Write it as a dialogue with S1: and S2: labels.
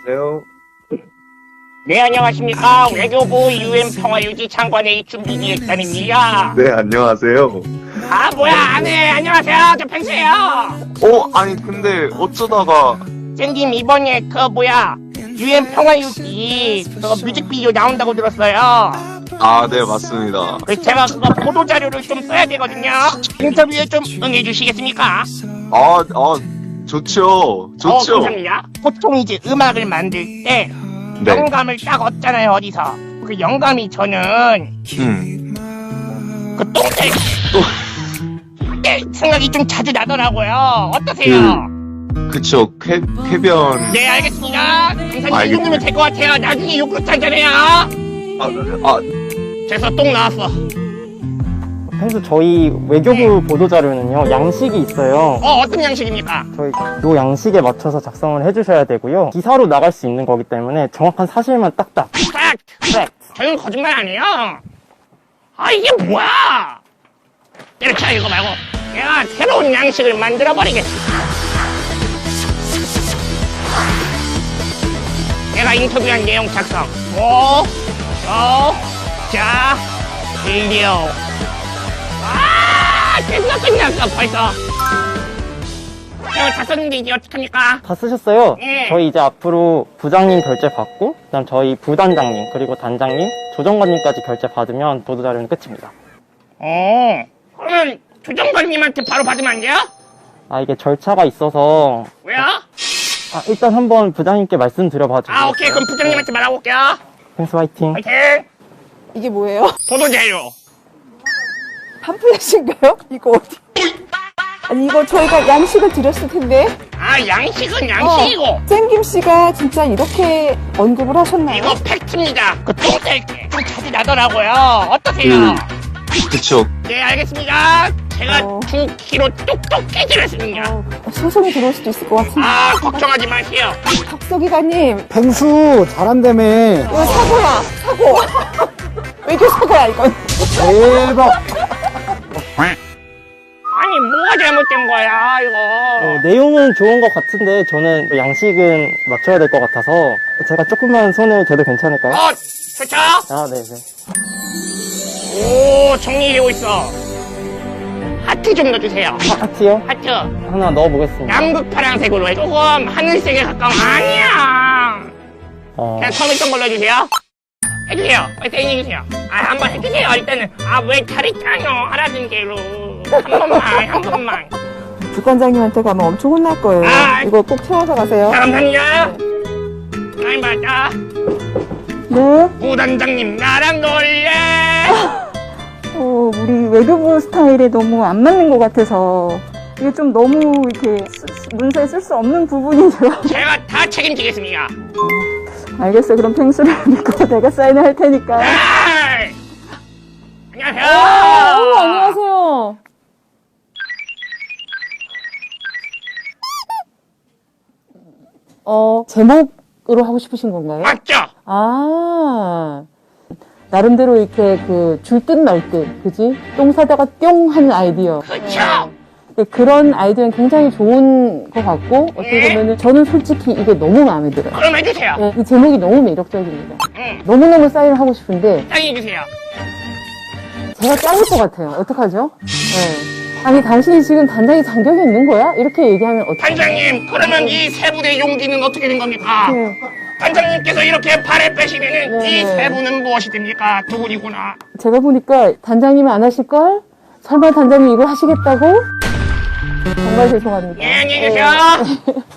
S1: 여보세요?
S2: 네, 안녕하십니까. 외교부 UN 평화유지 장관회의 준비기획단입니다.
S1: 네, 안녕하세요.
S2: 아, 뭐야, 안 해. 안녕하세요. 저 펜스예요.
S1: 아니, 근데 어쩌다가.
S2: 쌤님, 이번에 UN 평화유지 뮤직비디오 나온다고 들었어요.
S1: 아, 네, 맞습니다.
S2: 그래서 제가 그거 보도자료를 좀 써야 되거든요. 인터뷰에 좀 응해주시겠습니까?
S1: 좋죠.
S2: 감사합니다. 보통 이제 음악을 만들 때
S1: 네.
S2: 영감을 딱 얻잖아요, 어디서. 그 영감이 저는 그 똥들 그때 생각이 좀 자주 나더라고요. 어떠세요?
S1: 그쵸, 쾌변.
S2: 네, 알겠습니다. 감사님, 이
S1: 알겠습니다.
S2: 정도면 될 것 같아요. 나중에 욕 그렇다잖아요. 그래서 똥 나왔어.
S3: 평소 저희 외교부 보도자료는요, 양식이 있어요.
S2: 어떤 양식입니까?
S3: 저희 요 양식에 맞춰서 작성을 해주셔야 되고요. 기사로 나갈 수 있는 거기 때문에 정확한 사실만 딱딱.
S2: 팩트. 저는 거짓말 안 해요. 아, 이게 뭐야? 때려쳐, 이거 말고. 내가 새로운 양식을 만들어버리겠어. 내가 인터뷰한 내용 작성. 자, 일리오. 됐어, 끝났어, 벌써. 다 썼는데 이제 어떡합니까?
S3: 다 쓰셨어요?
S2: 네.
S3: 저희 이제 앞으로 부장님 결제 받고, 그다음 저희 부단장님, 그리고 단장님, 조정관님까지 결제 받으면 보도자료는 끝입니다.
S2: 그러면 조정관님한테 바로 받으면 안 돼요?
S3: 이게 절차가 있어서.
S2: 왜요?
S3: 일단 한번 부장님께 말씀드려봐도.
S2: 오케이. 그럼 부장님한테 말하고 올게요.
S3: 펜스 화이팅.
S2: 화이팅!
S4: 이게 뭐예요?
S2: 보도자료.
S4: 팜플렛인가요? 이거 어디? 아니 이거 저희가 양식을 드렸을 텐데.
S2: 양식은 양식이고.
S4: 쌤김 씨가 진짜 이렇게 언급을 하셨나요?
S2: 이거 팩트입니다. 그 똥될 게 좀 자주 나더라고요. 어떠세요?
S1: 그쵸.
S2: 네, 알겠습니다. 제가 2kg 똑똑히 드렸습니다.
S4: 소송이 들어올 수도 있을 것 같은데.
S2: 걱정하지 마세요.
S4: 박서기관님,
S5: 펭수 잘한다며.
S4: 이거 사고야, 사고. 외교 사고야 이건.
S5: 대박.
S2: 아니, 뭐가 잘못된 거야, 이거.
S3: 내용은 좋은 것 같은데 저는 양식은 맞춰야 될 것 같아서 제가 조금만 손을 대도 괜찮을까요?
S2: 좋죠?
S3: 네네.
S2: 오, 정리되고 있어. 하트 좀 넣어주세요.
S3: 하트요?
S2: 하트.
S3: 하나 넣어보겠습니다.
S2: 양극 파란색으로 해. 조금 하늘색에 가까운. 아니야. 그냥 처음 있던 걸로 해주세요. 해주세요. 빨리 사인해주세요. 한번 해주세요. 일단은. 왜 다리 짜요? 하라는 대로. 한 번만.
S4: 주관장님한테 가면 엄청 혼날 거예요. 이거 꼭 채워서 가세요.
S2: 감사합니다. 사인 받자.
S4: 네.
S2: 부단장님, 나랑 놀래.
S6: 우리 외교부 스타일에 너무 안 맞는 것 같아서 이게 좀 너무 이렇게 문서에 쓸 수 없는 부분이죠.
S2: 제가 다 책임지겠습니다.
S6: 알겠어요. 그럼 펭수를 믿고 내가 사인을 할 테니까.
S2: 안녕하세요.
S6: 안녕하세요.
S4: 제목으로 하고 싶으신 건가요?
S2: 맞죠?
S4: 나름대로 이렇게 줄 듯 말 듯, 그지? 똥 사다가 뿅 하는 아이디어.
S2: 그쵸?
S4: 그런 아이디어는 굉장히 좋은 것 같고, 어떻게 보면은 저는 솔직히 이게 너무 마음에 들어요.
S2: 그럼 해주세요.
S4: 네, 이 제목이 너무 매력적입니다.
S2: 응.
S4: 너무너무 사인을 하고 싶은데,
S2: 사인해주세요.
S4: 제가 잘릴 것 같아요. 어떡하죠? 네. 아니, 당신이 지금 단장이 자격이 있는 거야? 이렇게 얘기하면 어떡해?
S2: 단장님, 그러면 이 세 분의 용기는 어떻게 된 겁니까?
S4: 네.
S2: 단장님께서 이렇게 발에 빼시면은
S4: 네.
S2: 이 세 분은 무엇이 됩니까? 두 분이구나.
S4: 제가 보니까 단장님은 안 하실걸? 설마 단장님 이걸 하시겠다고? 정말 죄송합니다.
S2: 네, 안녕히 계세요.